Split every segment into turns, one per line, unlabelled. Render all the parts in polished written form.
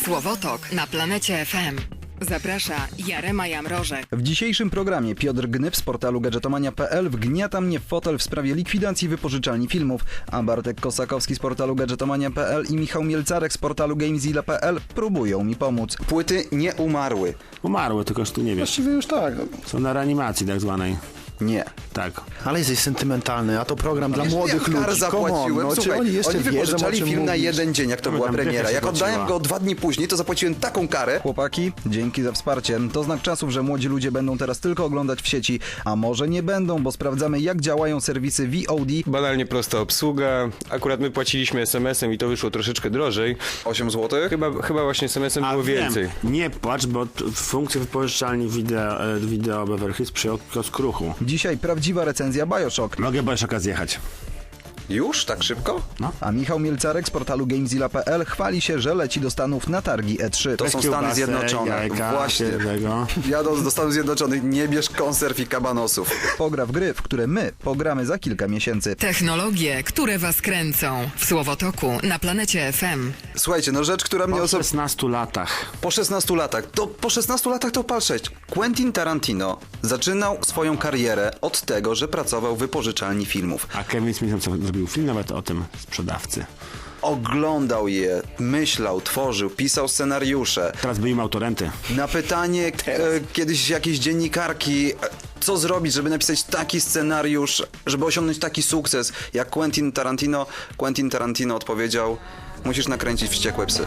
Słowotok na Planecie FM. Zaprasza Jarema Jamrożek.
W dzisiejszym programie Piotr Gnyb z portalu gadżetomania.pl wgniata mnie w fotel w sprawie likwidacji wypożyczalni filmów, a Bartek Kosakowski z portalu gadżetomania.pl i Michał Mielcarek z portalu gamezilla.pl próbują mi pomóc. Płyty nie umarły.
Umarły, tylko że ty nie wiesz.
Właściwie już tak.
Są na reanimacji tak zwanej.
Nie.
Tak.
Ale jesteś sentymentalny, a to program dla młodych
Ja kar
ludzi.
zapłaciłem.
No,
Słuchaj,
oni jeszcze wiedzą, o
wypożyczali
czym
film na
mówisz.
jeden dzień, jak to była
tam
premiera.
dycha się
Jak oddałem
płaciła.
go 2 dni później, to zapłaciłem taką karę. Chłopaki, dzięki za wsparcie. To znak czasów, że młodzi ludzie będą teraz tylko oglądać w sieci, a może nie będą, bo sprawdzamy, jak działają serwisy VOD.
Banalnie prosta obsługa. Akurat my płaciliśmy SMS-em i to wyszło troszeczkę drożej.
8 zł.
Chyba właśnie SMS-em było więcej.
Nie płacz, bo funkcje wypożyczalni wideo Beverly Hills przyjął kiosk Ruchu.
Dzisiaj prawdziwa recenzja BioShock.
Mogę Bioshocka zjechać.
Już? Tak szybko?
No.
A Michał Mielcarek z portalu gamezilla.pl chwali się, że leci do Stanów na targi E3. To są Stany
Kiełbasę,
Zjednoczone.
jajka,
Właśnie.
tego.
Jadąc do Stanów Zjednoczonych, nie bierz konserw i kabanosów. Pogra w gry, w które my pogramy za kilka miesięcy.
Technologie, które was kręcą. W Słowotoku na Planecie FM.
Słuchajcie, no rzecz, która mnie
Po
osobiście...
16 latach.
Po 16 latach. Po 16 latach to pal 6. Quentin Tarantino zaczynał swoją karierę od tego, że pracował w wypożyczalni filmów.
A Kevin Smith zrobił film nawet o tym sprzedawcy.
Oglądał je, myślał, tworzył, pisał scenariusze.
Teraz by im autorenty.
Na pytanie kiedyś jakiejś dziennikarki, co zrobić, żeby napisać taki scenariusz, żeby osiągnąć taki sukces jak Quentin Tarantino odpowiedział: musisz nakręcić Wściekłe psy.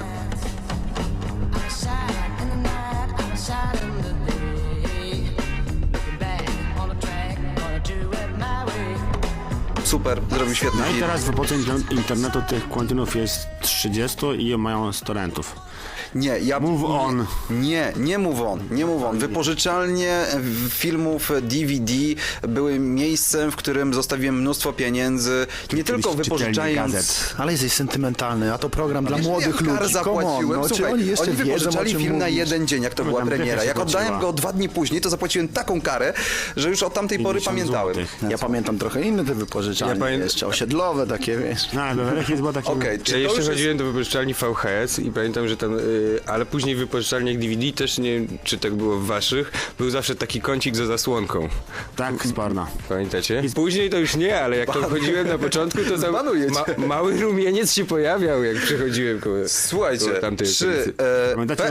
Super, zrobił świetny
No i
film.
teraz w epoce internetu tych Quentinów jest 30 i mają 100 rentów.
Nie,
Move on.
Nie move on. Wypożyczalnie filmów DVD były miejscem, w którym zostawiłem mnóstwo pieniędzy, nie tylko
czytelni
wypożyczając...
gazet.
Ale jesteś sentymentalny, a to program dla młodych
Ja kar
ludzi.
zapłaciłem.
No, czy
Słuchaj,
oni jeszcze wiedzą, o
wypożyczali
czym
film na
mówisz?
jeden dzień, jak to była
tam
premiera.
dycha się
Jak oddałem
płaciła.
go 2 dni później, to zapłaciłem taką karę, że już od tamtej pory
50
pamiętałem.
złotych.
Ja pamiętam trochę inne te wypożyczalnie, jeszcze osiedlowe takie, wiesz.
No, ale Beverly Hills była takim...
Okej,
Ja
czy to
jeszcze
już jest...
chodziłem do wypożyczalni VHS i pamiętam, że tam, ale później w wypożyczalniach DVD też, nie wiem czy tak było w waszych, był zawsze taki kącik za zasłonką.
Tak, sporno.
Pamiętacie? Później to już nie, ale jak to chodziłem na początku, to tam
Zbanuję cię.
mały rumieniec się pojawiał, jak przechodziłem koło
Słuchajcie,
tamtej
czy
okolicy.
Pamiętacie,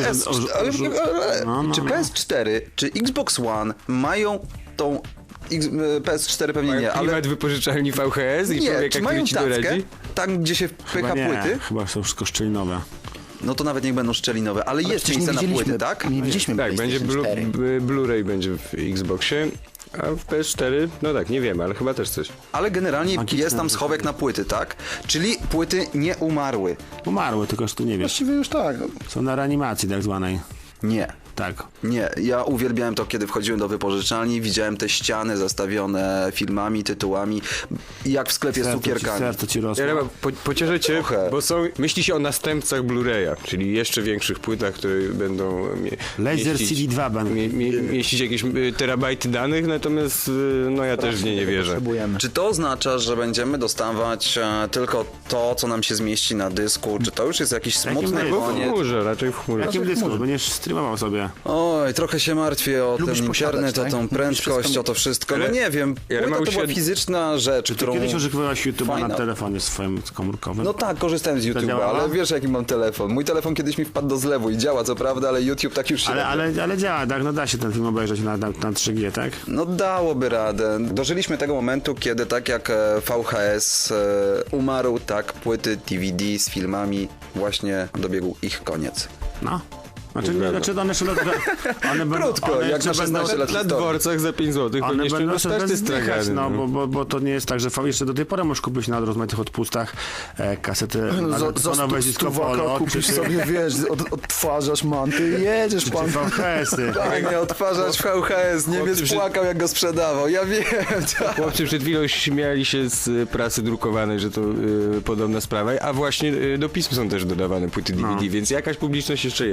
czy PS4, czy Xbox One mają tą... PS4 pewnie nie,
Mają
ale...
klimat wypożyczalni VHS i
Nie,
człowiek
czy
jak
mają
ci
tackę,
doradzi?
tam gdzie się wpycha
nie,
płyty,
chyba są wszystko szczelinowe.
no to nawet niech będą szczelinowe, ale jest
Przecież
miejsce na płyty, tak?
Nie widzieliśmy
Tak, będzie
PlayStation 4.
Blu-ray będzie w Xboxie, a w PS4, no tak, nie wiem, ale chyba też coś.
Ale generalnie
Magiczne
jest tam schowek na płyty, tak? Czyli płyty nie umarły.
Umarły, tylko że ty nie wiesz.
Właściwie już tak.
Są na reanimacji tak zwanej.
Nie.
Tak.
Nie, ja uwielbiałem to, kiedy wchodziłem do wypożyczalni, widziałem te ściany zastawione filmami, tytułami, jak w sklepie z cukierkami.
Serce ci rosło.
Ja pocieszę cię,
Trochę.
bo myśli się o następcach Blu-raya, czyli jeszcze większych płytach, które będą
Laser
mieścić,
CD2 będą.
mieścić jakieś terabajty danych, natomiast no ja też w nie wierzę.
Potrzebujemy.
Czy to oznacza, że będziemy dostawać tylko to, co nam się zmieści na dysku? Czy to już jest jakiś smutny
dysku?
W
koniec?
chmurze, raczej w chmurze.
Jakim dysku? Będziesz streamował sobie.
Oj, trochę się martwię o
Lubisz
ten
posiadać,
internet, o
tak?
tą
Lubisz
prędkość,
wszystko-
o to wszystko. No
Ale-
nie wiem,
ale
płyta
ma
to była
uświad-
fizyczna rzecz,
Ty
którą...
kiedyś używałeś YouTube'a
Fajna.
na telefonie swoim komórkowym?
No tak, korzystałem z YouTube'a,
działała?
ale wiesz jaki mam telefon. Mój telefon kiedyś mi wpadł do zlewu i działa co prawda, ale YouTube tak już się...
Ale działa, tak? No da się ten film obejrzeć na 3G, tak?
No dałoby radę. Dożyliśmy tego momentu, kiedy tak jak VHS umarł, tak płyty DVD z filmami właśnie dobiegł ich koniec.
No. Znaczy one jeszcze... One będą,
Krótko,
one
jak
jeszcze
na 16
będą-
lat
Na
historii.
dworcach za 5 zł
One
pewnie jeszcze
będą
dostać te
sobie zdychać,
stragany.
no, bo to nie jest tak, że jeszcze do tej pory możesz kupić na rozmaitych odpustach kasety
Za
disco polo,
kupisz sobie, wiesz, odtwarzasz manty i jedziesz pan.
VHS-y.
Tak, nie odtwarzacz VHS, Niemiec płakał jak go sprzedawał, ja wiem. Tak.
Chłopcy przed chwilą śmiali się z prasy drukowanej, że to podobna sprawa, a właśnie do pism są też dodawane płyty DVD, więc jakaś publiczność jeszcze jest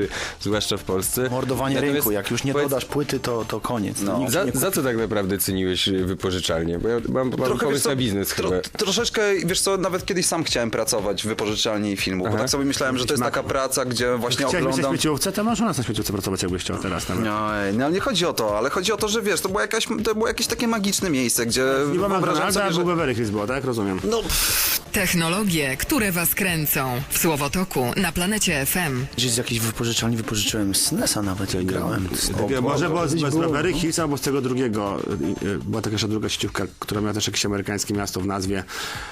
zwłaszcza w Polsce.
Mordowanie
Natomiast
rynku, jak już nie dodasz płyty, to koniec.
No.
Nikt nie
Za co tak naprawdę ceniłeś wypożyczalnię? Bo ja mam
Trochę, wiesz
pomysł
co,
na biznes chyba.
Troszeczkę, wiesz co, nawet kiedyś sam chciałem pracować w wypożyczalni filmu, bo
Aha.
tak sobie myślałem, że to jest taka praca, gdzie właśnie
Chciałbyś na
oglądam...
śmieciówce, to możesz u nas na śmieciówce pracować, jakbyś chciał teraz nawet.
No, ale nie chodzi o to, ale chodzi o to, że wiesz, to było jakieś takie magiczne miejsce, gdzie
Nie ma
wyobrażam
McDonalda,
sobie,
a
że...
był Beverly Hills, było, tak? Rozumiem.
No,
Technologie, które was kręcą. W Słowotoku na planecie FM.
Gdzieś z jakiejś wypożyczalni wypożyczyłem SNES-a nawet, jak grałem.
Może było z Beverly Hills albo z tego drugiego. Była taka jeszcze druga sieciówka, która miała też jakieś amerykańskie miasto w nazwie.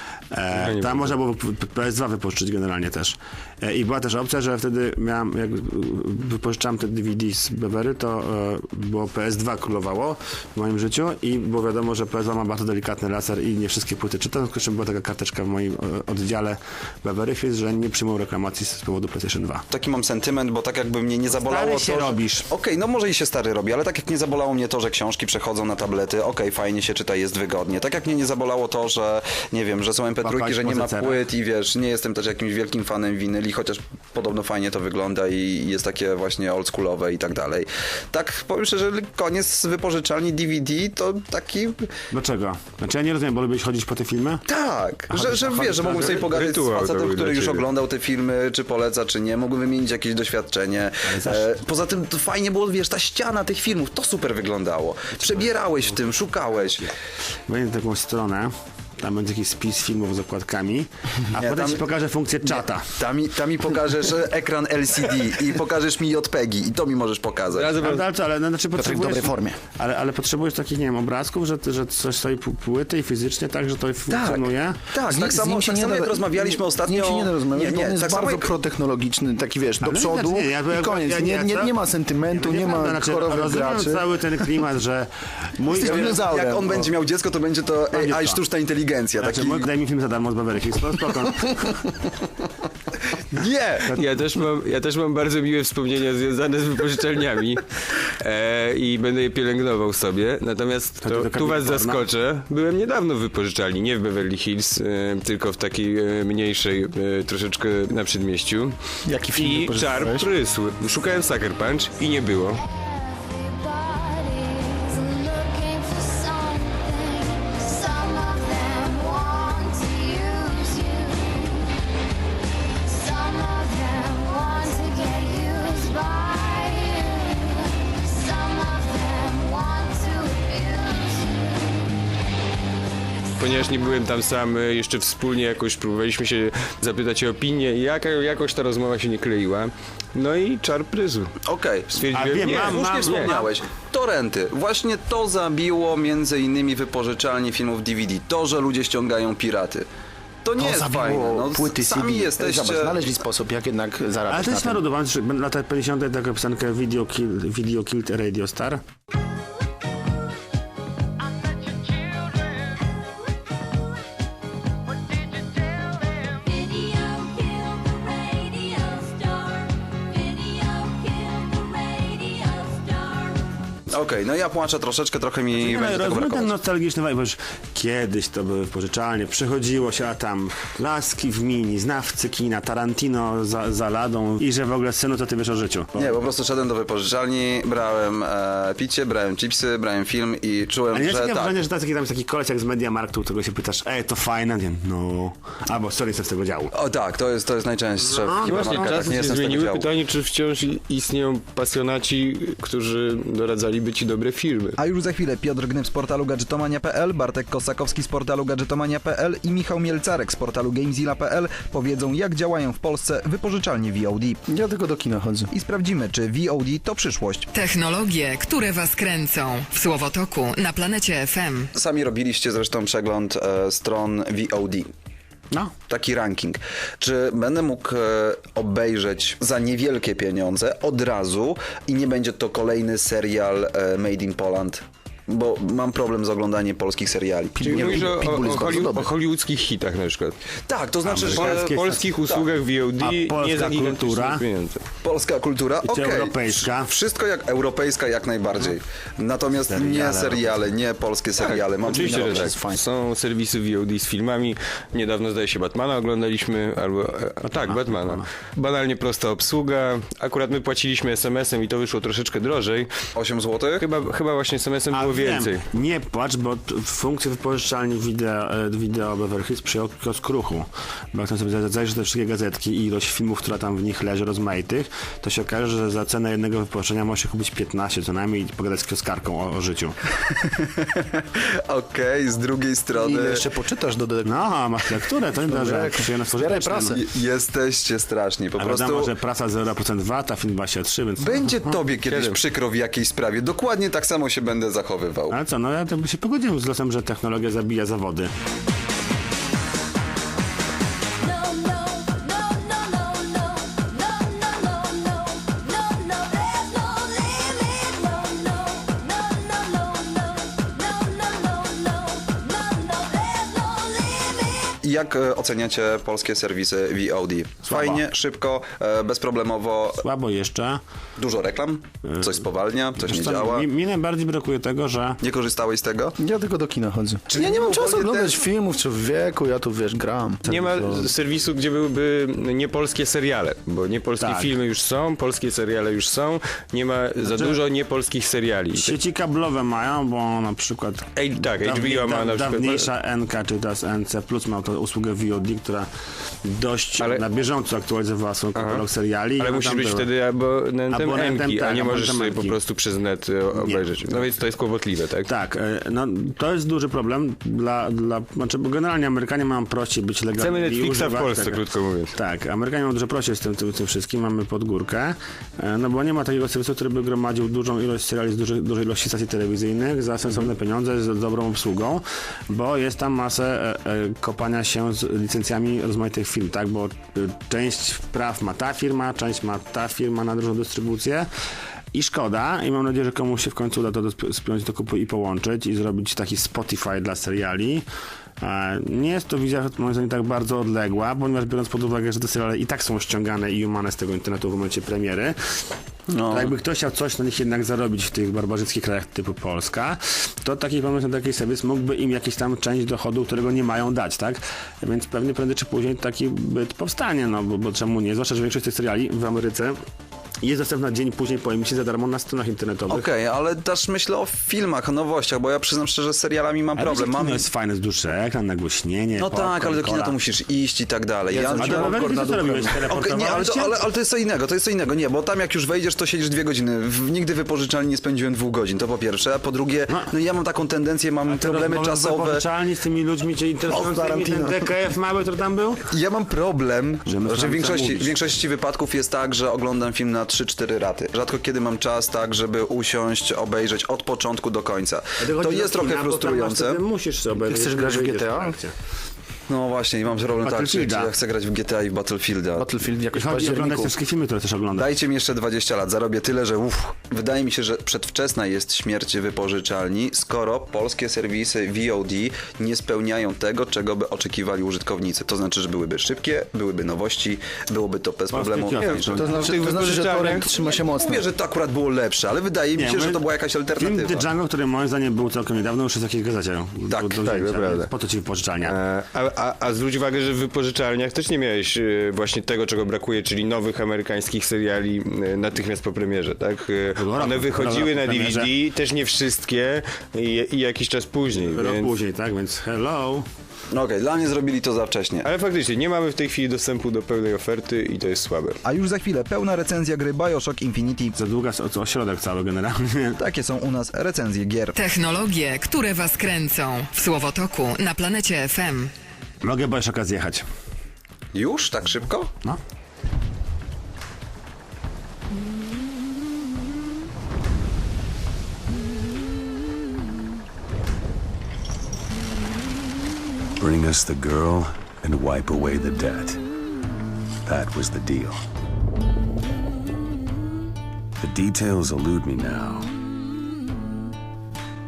Tam można było PS2 wypożyczyć generalnie też. I była też opcja, że wtedy jak wypożyczałem te DVD z Bevery, to było PS2 królowało w moim życiu i było wiadomo, że PS2 ma bardzo delikatny laser i nie wszystkie płyty czytam, tylko że była taka karteczka w moim oddziale Beverly Hills, że nie przyjmują reklamacji z powodu PlayStation 2.
taki mam sentyment, bo tak jakby mnie nie zabolało
Stary
to,
się
że...
robisz.
Okej, no może i się stary robi, ale tak jak nie zabolało mnie to, że książki przechodzą na tablety, fajnie się czyta, jest wygodnie. Tak jak mnie nie zabolało to, że nie wiem, że są MP3,
Łapać
że nie ma
pozycera.
płyt i wiesz, nie jestem też jakimś wielkim fanem winyli, chociaż podobno fajnie to wygląda i jest takie właśnie oldschoolowe i tak dalej. Tak, powiem szczerze, koniec z wypożyczalni DVD to taki...
Dlaczego? Znaczy ja nie rozumiem, bo lubisz chodzić po te filmy?
Tak, że wiesz, że mógłbym sobie pogadać z
rytuał to
facetem,
był
który
dla
już
ciebie.
oglądał te filmy, czy poleca, czy nie, mógłbym wymienić jakieś doświadczenie. Poza tym to fajnie było, wiesz, ta ściana tych filmów, to super wyglądało. Przebierałeś w tym, szukałeś.
Wejdę na taką stronę, tam będzie jakiś spis filmów z okładkami, a
Nie,
potem
tam-
ci pokażę funkcję czata.
Tam mi pokażesz ekran LCD i pokażesz mi JPEGi i to mi możesz pokazać.
Ale znaczy
w
potrzebujesz...
dobrej formie.
Ale potrzebujesz takich, nie wiem, obrazków, że coś stoi płyty i fizycznie tak, że to funkcjonuje?
Tak, tak
Z
samo
nim się nie
jak
da-
rozmawialiśmy ostatnio...
Z nim się nie da rozmawiać, bo on jest
tak samo
bardzo
jak...
protechnologiczny, taki wiesz, do
Ale
przodu
znaczy,
i koniec. Nie ma sentymentu, nie ma
Znaczy,
korowych
rozumiem
graczy.
cały ten klimat, że mój...
Jesteś dinozaurem.
Jak on będzie miał dziecko, to będzie to AI,
to.
sztuczna inteligencja.
Znaczy,
Taki...
daj mi film za darmo z Beverly Hills, no spoko.
Nie!
Ja też mam bardzo miłe wspomnienia związane z wypożyczalniami i będę je pielęgnował sobie. Natomiast
Chodzi do
tu was
kabiny porno?
zaskoczę. Byłem niedawno w wypożyczalni, nie w Beverly Hills, tylko w takiej mniejszej, troszeczkę na przedmieściu.
Jaki film
I
wypożyczałeś?
czar prysł. Szukałem Sucker Punch i nie było.
Everybody's looking for something. Some of them want to use you. Some of them want to get used by you. Some of them want to abuse you.
Ponieważ nie byłem tam sam, jeszcze wspólnie jakoś próbowaliśmy się zapytać o opinię i jakoś ta rozmowa się nie kleiła. No i czar prysł.
Okej.
Stwierdziłem,
A wiem,
nie,
Słusznie wspomniałeś. Torrenty. Właśnie to zabiło między innymi wypożyczalnie filmów DVD. To, że ludzie ściągają piraty. To nie jest
zabiło
fajne. No,
płyty
sami
CD.
jesteście...
Zobacz, znaleźli sposób, jak jednak
Ale
zarabiać
to jest
na tym.
narodowane, że lata 50. taką piosenkę Video Killed Radio Star.
Video killed the radio star. Video killed the radio star.
Okej, no ja płaczę troszeczkę, trochę mi będzie tego
Rozumiem ten
brakować.
nostalgiczny vibe, bo już kiedyś to były wypożyczalnie, przychodziło się, a tam laski w mini, znawcy kina, Tarantino za ladą i że w ogóle synu to ty wiesz o życiu.
Nie, po prostu szedłem do wypożyczalni, brałem picie, brałem chipsy, brałem film i czułem,
Ale nie jest
że
takie
tak.
wrażenie, że tam jest taki koleś jak z Mediamarktu, którego się pytasz, to fajne, nie, no, albo sorry, jestem z tego działu.
O tak, to jest najczęstsze w
Właśnie
hipermarketach,
czasy
nie
się
jestem z tego
zmieniły.
działu.
Pytanie, czy wciąż istnieją pasjonaci, którzy doradzaliby ci dobre filmy.
A już za chwilę Piotr Gnyb z portalu gadżetomania.pl, Bartek Kosakowski z portalu gadżetomania.pl i Michał Mielcarek z portalu gamezilla.pl powiedzą, jak działają w Polsce wypożyczalnie VOD.
Ja tylko do kina chodzę.
I sprawdzimy, czy VOD to przyszłość.
Technologie, które was kręcą. W Słowotoku na planecie FM.
Sami robiliście zresztą przegląd stron VOD.
No.
Taki ranking. Czy będę mógł obejrzeć za niewielkie pieniądze od razu i nie będzie to kolejny serial Made in Poland? Bo mam problem z oglądaniem polskich seriali.
Czyli mówisz
Pitbull jest bardzo dobry.
o hollywoodzkich hitach na przykład.
Tak, to znaczy, że
Polskich usługach VOD
A polska
nie za gigantyczne
kultura?
pieniądze.
polska kultura,
I czy
okej.
europejska?
Wszystko jak europejska jak najbardziej. Natomiast nie seriale, nie polskie seriale. Mam
Oczywiście, że
inne
tak. Są serwisy VOD z filmami. Niedawno, zdaje się, Batmana oglądaliśmy, albo... Batmana. Banalnie prosta obsługa. Akurat my płaciliśmy SMS-em i to wyszło troszeczkę drożej.
8 zł?
Chyba właśnie SMS-em było więcej.
Nie płacz, bo funkcję wypożyczalni wideo Beverly Hills przyjął kiosk Ruchu. Bo jak tam sobie zajrzysz te wszystkie gazetki i ilość filmów, która tam w nich leży, rozmaitych, to się okaże, że za cenę jednego wypożyczenia może się kupić 15 co najmniej i pogadać z kioskarką o życiu.
Okej, z drugiej
I
strony...
ile jeszcze poczytasz do
No, masz lekturę, to nie że przyjemne
Zbieraj prasę.
Jesteście straszni, po
A
prostu...
wiadomo, że prasa 0% VAT, a film 23, więc...
Będzie tobie kiedyś
Kiedy?
przykro w jakiejś sprawie. Dokładnie tak samo się będę zachowywał.
Ale co, no ja to by się pogodziłem z losem, że technologia zabija zawody.
No, no, no, no, no, no, no, no, no, no, no, no, there's no limit. No, no, no, no, no, no, no, no, no, no, no, there's no limit.
I jak oceniacie polskie serwisy VOD? Fajnie, szybko, bezproblemowo,
Słabo jeszcze.
dużo reklam, coś spowalnia, coś nie
Wiesz co,
działa.
mi najbardziej brakuje tego, że
Nie korzystałeś z tego?
Ja tylko do kina chodzę.
Czyli
Ja nie mam czasu
ogólnie
oglądać
też-
filmów czy w wieku, ja tu wiesz, gram.
Nie ma serwisu, gdzie byłyby niepolskie seriale, bo niepolskie
Tak.
filmy już są, polskie seriale już są, nie ma za dużo niepolskich seriali.
sieci kablowe mają, bo na przykład
Tak, HBO ma na przykład...
dawniejsza NK, czy teraz NC Plus miał tą usługę VOD, która dość
Ale-
na bieżąco aktualizowała swój katalog seriali.
Ale
i
musisz
tam
być
były.
wtedy abonentem
Abonentem,
M-ki, a
tak,
nie możesz
abonentem
sobie po
M-ki.
prostu przez net obejrzeć. No więc to jest kłopotliwe, tak?
Tak, no to jest duży problem znaczy, bo generalnie Amerykanie mają prościej być legalni.
Chcemy
i
Netflixa w
używać
Polsce,
tego.
krótko mówiąc.
Tak, Amerykanie mają dużo prościej z tym wszystkim, mamy pod górkę, no bo nie ma takiego serwisu, który by gromadził dużą ilość seriali z dużej ilości stacji telewizyjnych za sensowne pieniądze, z dobrą obsługą, bo jest tam masę kopania się z licencjami rozmaitych firm, tak, bo część praw ma ta firma, część ma ta firma na dużą dystrybucję. I szkoda, i mam nadzieję, że komuś się w końcu uda to spiąć do kupy i połączyć i zrobić taki Spotify dla seriali. Nie jest to wizja, moim zdaniem, tak bardzo odległa, ponieważ biorąc pod uwagę, że te seriale i tak są ściągane i umane z tego internetu w momencie premiery, to jakby ktoś chciał coś na nich jednak zarobić w tych barbarzyckich krajach typu Polska, to taki pomysł na taki serwis mógłby im jakieś tam część dochodu, którego nie mają dać, tak? Więc pewnie prędzej czy później taki byt powstanie, no bo czemu nie? Zwłaszcza, że większość tych seriali w Ameryce jest dostępna dzień później po emisji za darmo na stronach internetowych.
Okej, ale też myślę o filmach, o nowościach, bo ja przyznam szczerze, z serialami mam
Ale
problem.
kino
Mam...
jest fajne, z dłuższy ekran, nagłośnienie,
No tak, ale do kina
cola.
to musisz iść i tak dalej. Ja
A do Beverly Hills co robiłeś?
Okej, nie, ale
Teleportowałeś
to,
się?
ale to jest co innego, nie, bo tam jak już wejdziesz, to siedzisz 2 godziny. Nigdy wypożyczalni nie spędziłem 2 godzin, to po pierwsze, a po drugie, no ja mam taką tendencję, mam problemy czasowe.
Wypożyczalni z tymi ludźmi cię interesującymi, ten DKF mały, który tam był?
Ja mam problem,
Że
że w
mówisz.
większości wypadków jest tak, że oglądam film na 3-4 raty. Rzadko kiedy mam czas tak, żeby usiąść, obejrzeć od początku do końca. To jest trochę frustrujące.
Musisz sobie
Chcesz grać w GTA?
No właśnie, i mam problem tak, czy
Battlefielda.
ja chcę grać w GTA i w Battlefielda.
Battlefield jakoś w
Chodzi oglądać
październiku.
te wszystkie filmy, które też oglądasz.
Dajcie mi jeszcze 20 lat, zarobię tyle, że wydaje mi się, że przedwczesna jest śmierć wypożyczalni, skoro polskie serwisy VOD nie spełniają tego, czego by oczekiwali użytkownicy. To znaczy, że byłyby szybkie, byłyby nowości, byłoby to bez problemu.
kiosk.
tańsze.
To znaczy,
tych
że
wypożyczalniach-
torrent trzyma się mocno.
Mówię, że to akurat było lepsze, ale wydaje mi się, że to była jakaś
Film
alternatywa.
The Django, który moim zdaniem był całkiem niedawno, już jest w jakiejś gazecie.
Tak,
do
tak,
wzięcia,
to prawda.
więc po to ci wypożyczalnia.
A zwróć uwagę, że w wypożyczalniach też nie miałeś właśnie tego, czego brakuje, czyli nowych amerykańskich seriali natychmiast po premierze, tak? One wychodziły na DVD, też nie wszystkie i jakiś czas później.
Rok
Więc...
później, tak? Więc hello.
No okej, dla mnie zrobili to za wcześnie.
Ale faktycznie, nie mamy w tej chwili dostępu do pełnej oferty i to jest słabe.
A już za chwilę pełna recenzja gry BioShock Infinity.
Za długa ośrodek cały generalnie.
Takie są u nas recenzje gier.
Technologie, które was kręcą. W Słowotoku na planecie FM.
Mogę BioShocka zjechać.
Już? Tak szybko?
No.
Bring us the girl and wipe away the debt. That was the deal. The details elude me now.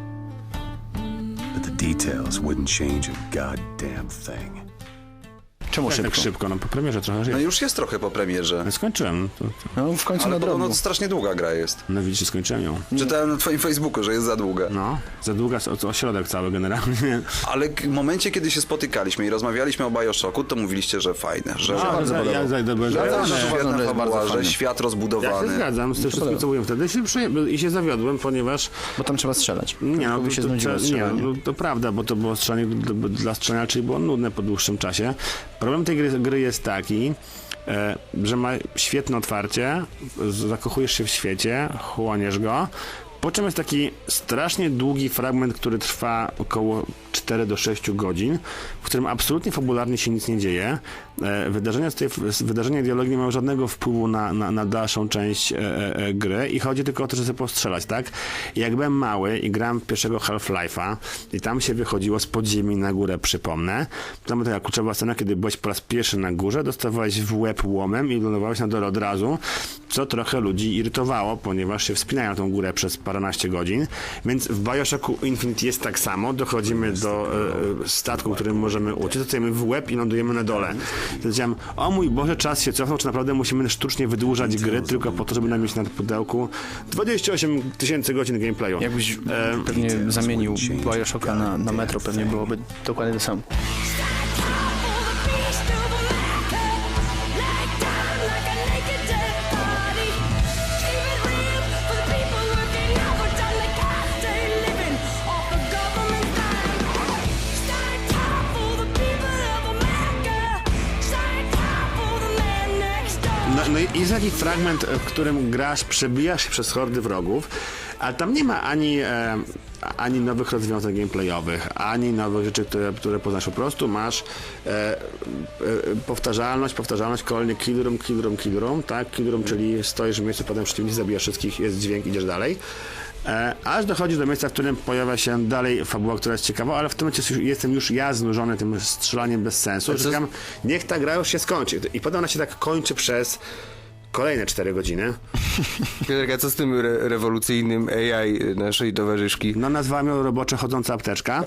But the details wouldn't change a goddamn thing.
Czemu
Tak
szybko?
szybko, no po premierze trochę
No
żyje.
już jest trochę po premierze.
No skończyłem.
No w końcu
Ale
na
podobno
drobno.
to strasznie długa gra jest.
No widzisz, skończyłem ją.
Czytałem na twoim Facebooku, że jest za długa.
No, za długa ośrodek cały generalnie.
Ale w momencie, kiedy się spotykaliśmy i rozmawialiśmy o BioShocku, to mówiliście, że fajne, że
bardzo podobało.
ja byłem
że
Ja
jest
też uważam,
świetna
że jest bardzo
fabuła, że
fajne.
świat
Ja się
rozbudowany.
zgadzam z tym wszystkim, co mówiłem wtedy i się zawiodłem, ponieważ
Bo tam trzeba strzelać.
nie, no,
Kogoś się znudziło
nie,
strzelanie.
no, to prawda, bo to było strzelanie dla strzelania, czyli było nudne po dłuższym czasie. Problem tej gry jest taki, że ma świetne otwarcie, zakochujesz się w świecie, chłoniesz go, po czym jest taki strasznie długi fragment, który trwa około 4 do 6 godzin, w którym absolutnie fabularnie się nic nie dzieje. Wydarzenia i dialogi nie mają żadnego wpływu na dalszą część gry i chodzi tylko o to, żeby sobie postrzelać, tak? I jak byłem mały i grałem w pierwszego Half-Life'a i tam się wychodziło z podziemi na górę, przypomnę. Tam była taka kluczowa scena, kiedy byłeś po raz pierwszy na górze, dostawałeś w łeb łomem i lądowałeś na dole od razu, co trochę ludzi irytowało, ponieważ się wspinają tą górę przez paręnaście godzin, więc w BioShocku Infinite jest tak samo, dochodzimy do statku, którym możemy uciec, dostajemy w łeb i lądujemy na dole. Powiedziałem, o mój Boże, czas się cofnął, czy naprawdę musimy sztucznie wydłużać gry tylko po to, żeby nam mieć na pudełku 28 000 godzin gameplayu.
Jakbyś pewnie zamienił BioShocka na Metro, pewnie byłoby dokładnie to samo.
No i jest taki fragment, w którym grasz, przebijasz się przez hordy wrogów, ale tam nie ma ani nowych rozwiązań gameplayowych, ani nowych rzeczy, które poznasz. Po prostu masz powtarzalność, kolejny kill room, tak? Kill room, czyli stoisz w miejscu, potem przeciwnicy, zabijasz wszystkich, jest dźwięk, idziesz dalej. Aż dochodzi do miejsca, w którym pojawia się dalej fabuła, która jest ciekawa, ale w tym momencie jestem już ja znużony tym strzelaniem bez sensu, że czekam, niech ta gra już się skończy. I potem ona się tak kończy przez kolejne 4 godziny.
Piotrek, a co z tym rewolucyjnym AI naszej towarzyszki?
No nazwałem ją roboczo chodząca apteczka,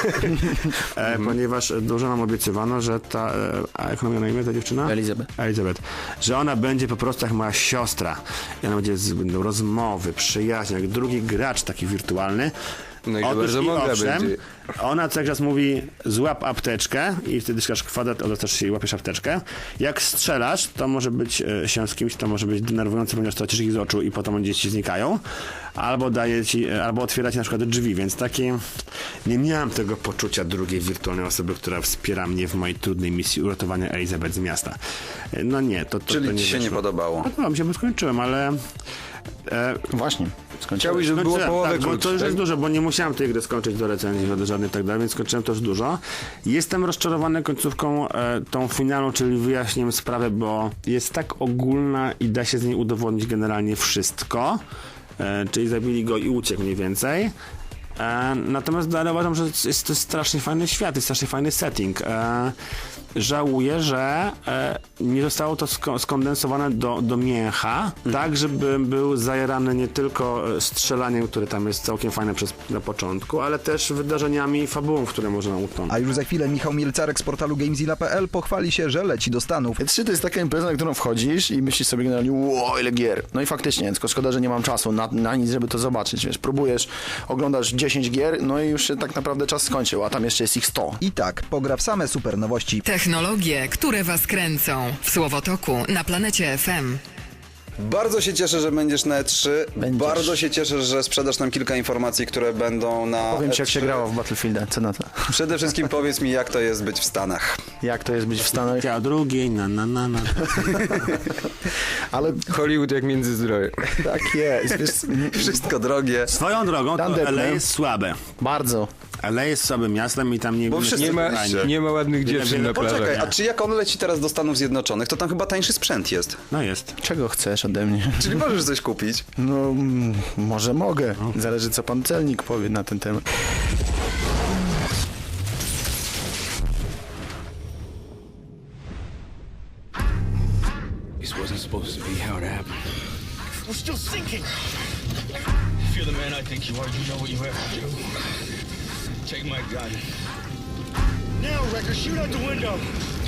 ponieważ dużo nam obiecywano, że ta, a jak ona na imię ta dziewczyna? Elizabeth. Że ona będzie po prostu jak moja siostra. I ona będzie będą rozmowy, przyjaźń, jak drugi gracz taki wirtualny.
No i to bardzo mądra będzie.
Ona cały czas mówi złap apteczkę i wtedy klikasz kwadrat, odwracasz się i łapiesz apteczkę. Jak strzelasz, to może być się z kimś, to może być denerwujące, ponieważ tracisz ich z oczu i potem oni ci znikają. Albo daje ci, albo otwiera ci na przykład drzwi, więc takie nie miałem tego poczucia drugiej wirtualnej osoby, która wspiera mnie w mojej trudnej misji uratowania Elizabeth z miasta. No nie, to
Czyli
nie
ci się nie
wyszło.
podobało?
Podobało mi się, bo skończyłem, ale
Właśnie.
Chciałbyś, żeby było połowę
tak, bo
krótsze,
to już
tak?
jest dużo, bo nie musiałem tej gry skończyć do recenzji żadnej i tak dalej, więc skończyłem to już dużo. Jestem rozczarowany końcówką tą finalną, czyli wyjaśniłem sprawę, bo jest tak ogólna i da się z niej udowodnić generalnie wszystko, czyli zabili go i uciekł mniej więcej. Natomiast dalej uważam, że jest to strasznie fajny świat, jest strasznie fajny setting. Żałuję, że nie zostało to skondensowane do mięcha, tak, żeby był zajarany nie tylko strzelaniem, które tam jest całkiem fajne na początku, ale też wydarzeniami i fabułą, w które można utonąć.
A już za chwilę Michał Mielcarek z portalu Gamezilla.pl pochwali się, że leci do Stanów.
E3 to jest taka impreza, na którą wchodzisz i myślisz sobie generalnie, wow, ile gier. No i faktycznie, tylko szkoda, że nie mam czasu na nic, żeby to zobaczyć. Wiesz, próbujesz, oglądasz 10 gier, no i już się tak naprawdę czas skończył, a tam jeszcze jest ich 100.
I tak, pogra w same super nowości.
Technologie, które was kręcą. W Słowotoku na Planecie FM.
Bardzo się cieszę, że będziesz na E3.
Będziesz.
Bardzo się cieszę, że sprzedasz nam kilka informacji, które będą na
Powiem ci, jak
E3.
się grało w Battlefielda, co na to?
Przede wszystkim powiedz mi, jak to jest być w Stanach.
Jak to jest być w Stanach?
A drugiej,
Ale
Hollywood jak Międzyzdroje.
tak jest, wiesz,
Wszystko drogie.
Swoją drogą, to
Dunder,
LA
nie?
jest słabe.
bardzo.
LA jest słabym miastem i tam nie...
Bo wszyscy-
Nie ma ładnych dziewczyn na
Poczekaj,
plażach.
a czy jak on leci teraz do Stanów Zjednoczonych, to tam chyba tańszy sprzęt jest.
No jest.
Czego chcesz ode mnie?
Czyli możesz coś kupić.
No, może mogę. Zależy, co pan celnik powie na ten temat.
This wasn't supposed to be how it happened.
We're still sinking. If you're the man I think you are, you know what you have to do. Take my gun. Now, Wrecker, shoot out the window.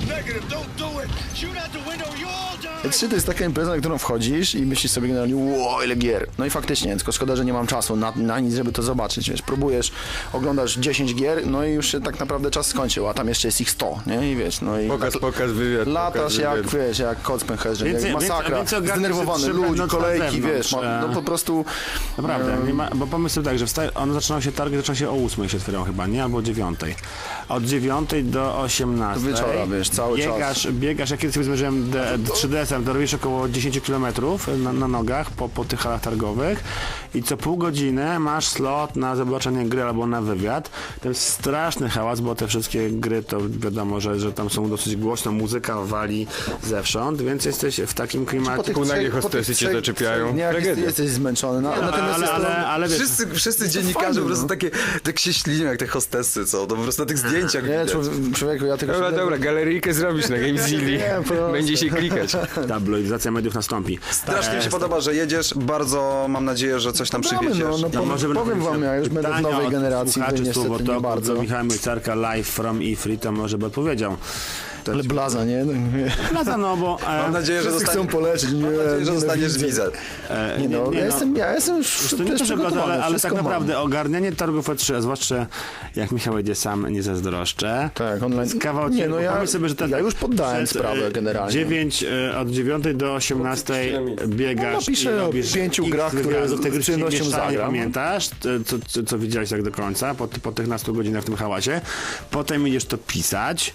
negative. Don't do it. Shoot out the window. You all die.
E3 to jest taka impreza, na którą wchodzisz i myślisz sobie generalnie, wow, ile gier. No i faktycznie, tylko szkoda, że nie mam czasu na nic, żeby to zobaczyć, wiesz, próbujesz, oglądasz 10 gier, no i już się tak naprawdę czas skończył, a tam jeszcze jest ich 100, nie, i wiesz, no i
Pokaz, wywiad.
latasz jak, wiesz, jak kot z pęcherzem, jak masakra,
więcej ogarniesz,
zdenerwowany
że
ludzi,
będąc na
kolejki,
zewnątrz,
wiesz, no po prostu...
Naprawdę, nie ma, bo pomysł tak, że targi zaczynają się o 8 się otwierają chyba, nie? Albo o 9. Od 9 do 18.
Do wieczora, wiesz, cały czas.
Biegasz, jak kiedyś sobie zmierzyłem 3DS-em, to robisz około 10 km na nogach po tych halach targowych i co pół godziny masz slot na zobaczenie gry albo na wywiad. To jest straszny hałas, bo te wszystkie gry to wiadomo, że tam są dosyć głośno, muzyka wali zewsząd, więc jesteś w takim klimacie.
Półnagie hostesy cię zaczepiają.
Jesteś zmęczony, natomiast
ale wiesz,
Wszyscy dziennikarze po prostu tak się ślinią jak te hostessy, co? To po prostu na tych zdjęciach
nie,
widać.
człowieku, ja tego...
Dobra, galeryjkę zrobisz na GameZilli. Będzie się klikać.
tabloidyzacja mediów nastąpi.
Strasznie mi się podoba, że jedziesz. Bardzo mam nadzieję, że coś tam przywieziesz.
Powiem wam, ja już będę w nowej generacji, to niestety nie bardzo.
Michał Mielcarka live from E3, to może by odpowiedział.
Ale blaza, nie?
Blaza, no bo...
Mam nadzieję, że
Wszyscy chcą polecieć.
Mam nadzieję, że dostaniesz wizę.
Nie no, ja jestem już
to nie to, że
przygotowany,
ale tak
wszystko
naprawdę
mam.
ogarnianie targów E3, a zwłaszcza jak Michał jedzie sam, nie zazdroszczę.
Tak, online.
Kawał
Nie, no
pomyśl sobie, że
ja już poddałem sprawę generalnie.
Od 9 do 18 biegasz
piszę
i
o
robisz
5
X
grach, które
wywiadów,
z
te gry ci nie
przyjemnością
mieszają,
zagram.
pamiętasz, co widziałeś tak do końca, po tych nastu godzinach w tym hałasie. Potem idziesz to pisać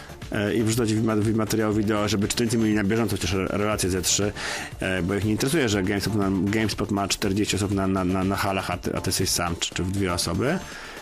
i wrzucać w materiał wideo, żeby czytelnicy mieli na bieżąco chociaż relacje Z3, bo ich nie interesuje, że GameSpot ma 40 osób na halach, a ty jesteś sam, czy w 2 osoby.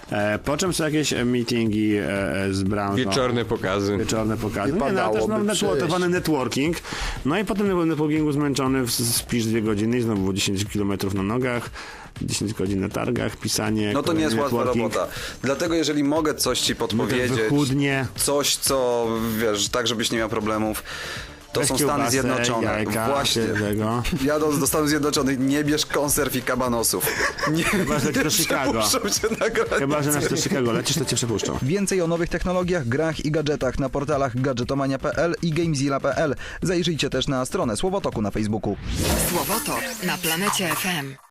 Po czym są jakieś meetingi z branżą.
Wieczorne pokazy.
Nie, no, ale też networkowany networking. No i potem na networkingu zmęczony spisz 2 godziny i znowu 10 km na nogach, 10 godzin na targach, pisanie.
No to nie jest łatwa robota. Dlatego jeżeli mogę coś ci podpowiedzieć,
wychudnie.
coś co, wiesz, tak żebyś nie miał problemów, to są Stany Zjednoczone.
Jajka,
Właśnie. Jadąc do Stanów Zjednoczonych, nie bierz konserw i kabanosów.
Chyba, że do Chicago.
Przepuszczą cię na granicy.
Chyba, że nas do Chicago lecisz, to cię przepuszczą.
Więcej o nowych technologiach, grach i gadżetach na portalach gadżetomania.pl i gamezilla.pl. Zajrzyjcie też na stronę Słowotoku na Facebooku.
Słowotok na Planecie FM.